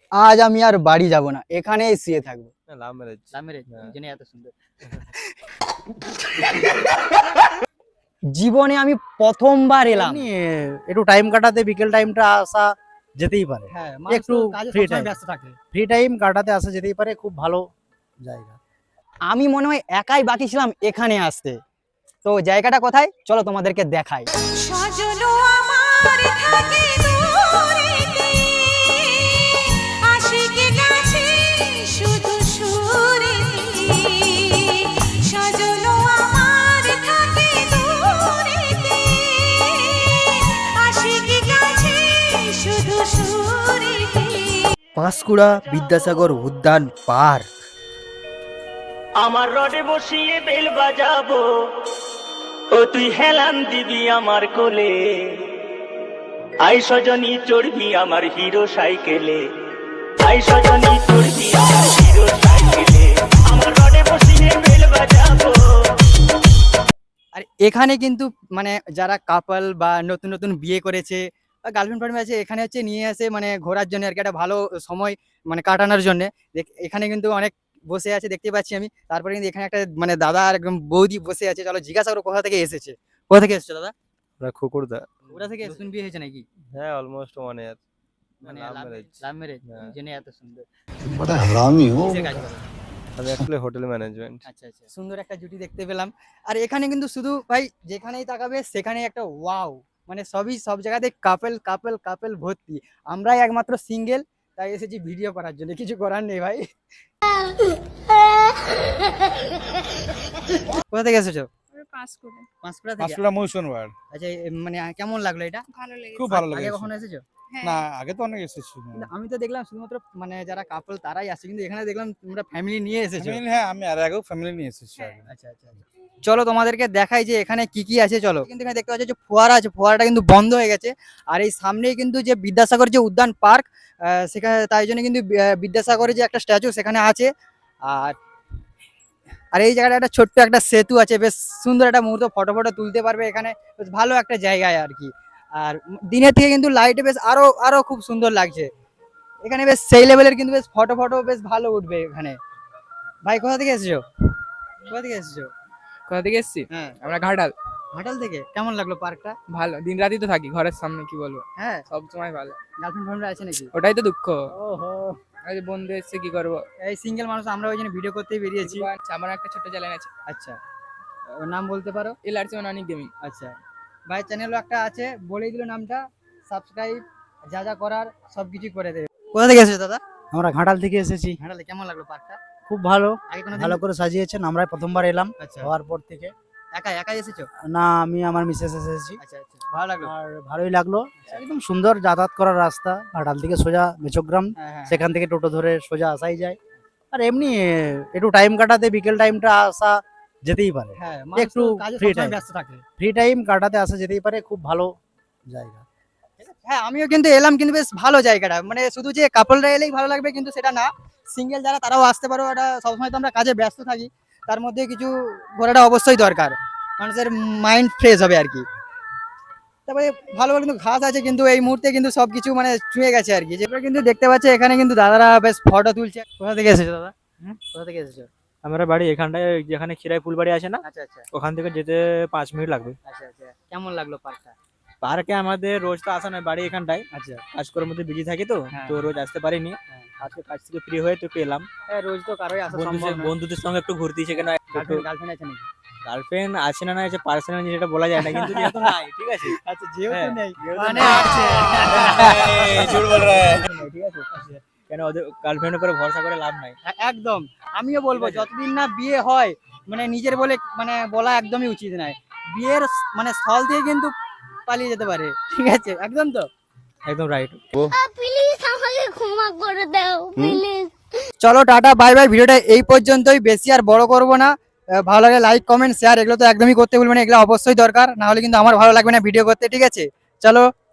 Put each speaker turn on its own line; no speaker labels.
আজ আমি আর বাড়ি যাব না, এখানেই শুয়ে থাকবো।
Love marriage.
লাভ ম্যারেজ
হ্যাঁ।
জেনে এত সুন্দর। জীবনে আমি প্রথমবার এলাম।
এমনি একটু টাইম কাটাতে বিকেল টাইমটা আসা যেতেই পারে।
হ্যাঁ,
একটু
কাজে
free
সবসময়
time।
ব্যস্ত থাকে।
ফ্রি টাইম কাটাতে আসা যেতেই পারে, খুব ভালো জায়গা।
আমি মনে হয় একাই বাকি ছিলাম এখানে আসতে। তো জায়গাটা কোথায় চলো তোমাদেরকে দেখাই।
সজলো আমার থাকে দূরেতে, আশিকে কাছে শুধু সুরেতে। সজলো আমার থাকে দূরেতে, আশিকে কাছে শুধু সুরেতে।
পাঁশকুড়া বিদ্যাসাগর উদ্যান পার্ক।
আমার রডে বসিয়ে বেল বাজাবো, ও তুই হেলান দিবি আমার কোলে। আই সজনী চড়বি আমার হিরো সাইকেলে, আই সজনী চড়বি আমার হিরো সাইকেলে। আমার রডে বসিয়ে বেল বাজাবো।
আর এখানে কিন্তু মানে যারা কাপল বা নতুন নতুন বিয়ে করেছে বা গার্লফ্রেন্ড ফার্লফ্রেন্ড আছে, এখানে হচ্ছে নিয়ে আসে মানে ঘোরার জন্য আর কি, একটা ভালো সময় মানে কাটানোর জন্য। এখানে কিন্তু অনেক বসে আছে দেখতে পাচ্ছি আমি। তারপরে কিন্তু এখানে একটা মানে দাদা আর একদম বৌদি বসে আছে। চলো জিজ্ঞাসা করো কোথা থেকে এসেছে। কোথা থেকে এসেছো দাদা?
আমরা খুকুরদা।
ওরা থেকে নতুন বিয়ে হয়েছে নাকি?
হ্যাঁ, অলমোস্ট 1 ইয়ার।
মানে
লাভ
লাভ
ম্যারেজ।
ম্যারেজ
হ্যাঁ।
জেনে এত সুন্দর।
बड़ा हरामी हो।
কিসের কাজ করো?
আমি অ্যাকচুয়ালি হোটেল ম্যানেজমেন্ট।
আচ্ছা আচ্ছা, সুন্দর একটা জুটি দেখতে পেলাম। আর এখানে কিন্তু শুধু ভাই যেখানেই তাকাবে সেখানেই একটা ওয়াও, মানে সব জায়গাতে কাপল কাপল কাপল ভর্তি। আমরাই একমাত্র সিঙ্গেল, তাই এসেছি ভিডিও করার জন্য, কিছু করার নেই ভাই। কোথা থেকে এসেছো?
পাঁশকুড়া।
পাঁশকুড়া থেকে।
পাঁশকুড়া মৌসুম ওয়ার্ড।
আচ্ছা, মানে কেমন লাগলো এটা?
ভালো লেগেছে।
খুব ভালো
আগে
লেগেছে।
কখনো এসেছো?
হ্যাঁ।
না, আগে তো অনেক এসেছি।
কিন্তু আমি তো দেখলাম শুধুমাত্র মানে যারা কাপল তারাই আসে, কিন্তু এখানে দেখলাম তোমরা ফ্যামিলি নিয়ে এসেছো।
ফ্যামিলি, হ্যাঁ, আমি আর আগেও ফ্যামিলি নিয়ে এসেছি আগে।
আচ্ছা আচ্ছা আচ্ছা। চলো তোমাদেরকে দেখাই যে এখানে কি কি আছে। চলো, কিন্তু এখানে দেখতে পাচ্ছ যে ফোয়ারা আছে, ফোয়ারাটা কিন্তু বন্ধ হয়ে গেছে। আর এই সামনেই কিন্তু যে বিদ্যাসাগর যে উদ্যান পার্ক, সেখানে তাই জন্য কিন্তু বিদ্যাসাগরের যে একটা স্ট্যাচু সেখানে আছে। আর আর এই জায়গাটা একটা ছোট্ট একটা সেতু আছে, বেশ সুন্দর একটা মুহূর্ত ফটো ফটো তুলতে পারবে এখানে, বেশ ভালো একটা জায়গায় আর কি। আর দিনের থেকে কিন্তু লাইটে বেশ আরো আরো খুব সুন্দর লাগছে এখানে, বেশ সেই লেভেলের কিন্তু বেশ ফটো ফটো বেশ ভালো উঠবে এখানে। ভাই কোথা থেকে এসেছো? কোথা থেকে এসেছো?
কোথা থেকে এসেছি?
হ্যাঁ,
আমরা ঘাটাল।
ঘাটাল থেকে। কেমন লাগলো পার্কটা?
ভালো, দিন রাতই তো থাকি ঘরের সামনে, কি বলবো,
হ্যাঁ,
সব সময় ভালো।
গার্লফ্রেন্ড ফ্রেন্ড আছে নাকি?
ওটাই তো দুঃখ,
ওহো,
আজ বন্ধু এসছে, কি করবো।
এই সিঙ্গেল মানুষ, আমরা ওই জন্য ভিডিও করতেই বেরিয়েছি।
আমার একটা ছোট্ট চ্যানেল আছে,
আচ্ছা, ওর নাম বলতে পারো?
এলআরসি অনেক গেমিং।
আচ্ছা, ভাই চ্যানেলও একটা আছে, বলেই দিল নামটা, সাবস্ক্রাইব যা যা করার সবকিছু করে দেবে। কোথা থেকে এসেছো দাদা?
আমরা ঘাটাল থেকে এসেছি।
ঘাটালে। কেমন লাগলো পার্কটা?
খুব ভালো,
আগে কোনো
ভালো করে সাজিয়েছেন। আমরাই প্রথমবার এলাম
আচ্ছা,
হওয়ার পর থেকে।
একাই এসেছো?
না, আমি আমার মিসেস এসেছি।
আচ্ছা আচ্ছা, ভালো লাগলো।
আর ভালোই লাগলো, একদম সুন্দর যাতায়াত করার রাস্তা। ঘাটাল থেকে সোজা মেচগ্রাম,
হ্যাঁ হ্যাঁ,
সেখান থেকে টোটো ধরে সোজা আসাই যায়। আর এমনি একটু টাইম কাটাতে বিকেল টাইমটা আসা যেতেই পারে।
হ্যাঁ,
একটু
একটু কাজে
free
সবসময়
time।
ব্যস্ত থাকে।
ফ্রি টাইম কাটাতে আসা যেতেই পারে, খুব ভালো জায়গা।
হ্যাঁ, আমিও কিন্তু এলাম, কিন্তু বেশ ভালো জায়গাটা। মানে শুধু যে কাপলরা এলেই ভালো লাগবে কিন্তু সেটা না, সিঙ্গেল যারা তারাও আসতে পারো। এটা সবসময় তো আমরা কাজে ব্যস্ত থাকি, তার মধ্যে কিছু ঘোরাটা অবশ্যই দরকার, মানুষের মাইন্ড ফ্রেশ হবে আর কি। তারপরে ভালো ভালো কিন্তু ঘাস আছে, কিন্তু এই মুহূর্তে কিন্তু সবকিছু মানে ছুঁয়ে গেছে আর কি। যেগুলো কিন্তু দেখতে পাচ্ছি এখানে কিন্তু দাদারা বেশ ফটো তুলছে। কোথা থেকে এসেছো দাদা? কোথা থেকে এসেছো?
আমার বাড়ি এখানটায়, যেখানে খিরাই ফুলবাড়ি আছে না,
আচ্ছা আচ্ছা
ওখান থেকে যেতে 5 মিনিট লাগবে।
আচ্ছা আচ্ছা, কেমন লাগলো পার্কটা?
পার্কে আমাদের রোজ তো আসা নয়, বাড়ি এখানটায়,
আচ্ছা,
কাজকর্মের মধ্যে বিজি থাকি তো,
হ্যাঁ।
তো রোজ আসতে পারিনি।
হ্যাঁ।
আজকে কাজ থেকে ফ্রি হয়ে তো একটু এলাম।
হ্যাঁ, রোজ তো কারোই আসা সম্ভব না।
বন্ধুদের সঙ্গে একটু ঘুরতে, সেখানে একটু
গার্লফ্রেন্ড আছে নাকি?
গার্লফ্রেন্ড আছে না আছে পার্সোনাল যেটা বলা যায় না, কিন্তু যেহেতু নাই, ঠিক আছে।
আচ্ছা, যেহেতু
হ্যাঁ,
নেই
যেহেতু
মানে
নেই।
আছে।
ঝুট বল রে, ঠিক আছে। কেন ওদের গার্লফ্রেন্ডের উপরে ভরসা করে লাভ নাই।
একদম, আমিও বলবো যতদিন না বিয়ে হয় মানে নিজের বলে মানে বলা একদমই উচিত নয়। বিয়ের মানে স্থল দিয়ে কিন্তু পালিয়ে যেতে পারে, ঠিক আছে? একদম তো,
একদম রাইট।
প্লিজ আমাকে ক্ষমা করে দাও প্লিজ।
চলো টাটা বাই বাই। ভিডিওটা এই পর্যন্তই, বেশি আর বড় করবো না। ভালো লাগে লাইক কমেন্ট শেয়ার এগুলো তো একদমই করতে ভুলবেন না, এগুলো অবশ্যই দরকার, না হলে কিন্তু আমার ভালো লাগবে না ভিডিও করতে, ঠিক আছে? চলো।